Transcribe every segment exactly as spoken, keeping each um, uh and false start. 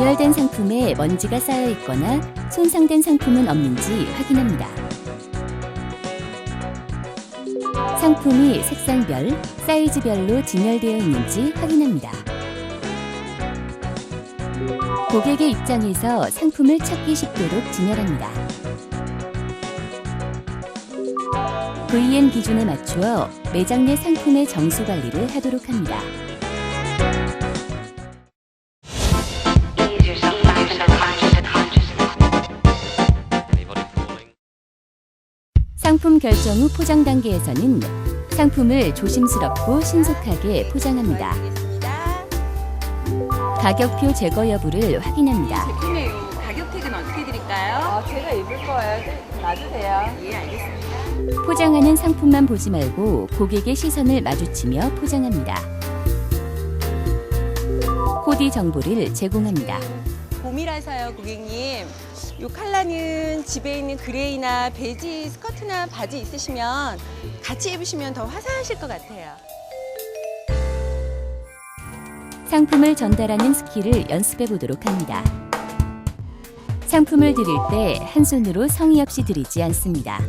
개발된 상품에 먼지가 쌓여 있거나 손상된 상품은 없는지 확인합니다. 상품이 색상별, 사이즈별로 진열되어 있는지 확인합니다. 고객의 입장에서 상품을 찾기 쉽도록 진열합니다. 브이엠 기준에 맞추어 매장 내 상품의 정수 관리를 하도록 합니다. 상품 결정 후 포장 단계에서는 상품을 조심스럽고 신속하게 포장합니다. 가격표 제거 여부를 확인합니다. 제품의 가격 택은 어떻게 드릴까요? 아, 제가 입을 거예요. 놔주세요. 예, 알겠습니다. 포장하는 상품만 보지 말고 고객의 시선을 마주치며 포장합니다. 코디 정보를 제공합니다. 봄이라서요, 고객님. 이 컬러는 집에 있는 그레이나 베지 스커트나 바지 있으시면 같이 입으시면 더 화사하실 것 같아요. 상품을 전달하는 스킬을 연습해 보도록 합니다. 상품을 드릴 때 한 손으로 성의 없이 드리지 않습니다.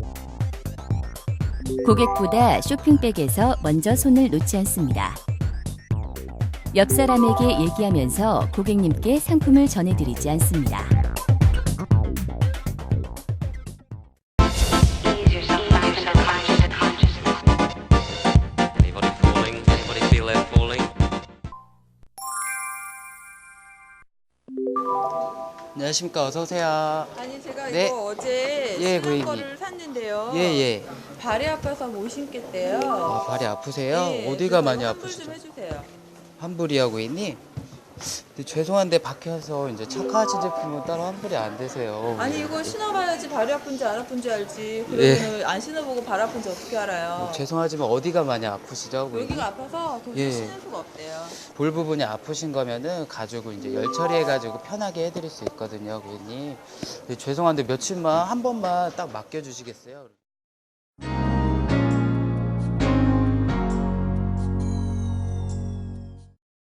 고객보다 쇼핑백에서 먼저 손을 놓지 않습니다. 옆 사람에게 얘기하면서 고객님께 상품을 전해드리지 않습니다. 안녕하십니까. 어서 오세요. 아니, 제가 네. 이거 어제 예, 신은 고객님. 거를 샀는데요. 예, 예. 발이 아파서 못 신겠대요. 아, 발이 아프세요? 예, 어디가 그래서 많이 환불 아프시죠? 좀 해주세요. 환불이야, 고객님? 근데 죄송한데 밖에서 이제 착화하신 제품은 따로 환불이 안 되세요. 아니, 이거 신어봐야지 발이 아픈지 안 아픈지 알지. 예. 그러면 안 신어보고 발 아픈지 어떻게 알아요? 어, 죄송하지만 어디가 많이 아프시죠, 고객님? 여기가 아파서 도저히 예. 신을 수가 없대요. 볼 부분이 아프신 거면은 가지고 이제 열 처리해가지고 편하게 해드릴 수 있거든요, 고객님. 근데 죄송한데 며칠만 한 번만 딱 맡겨주시겠어요?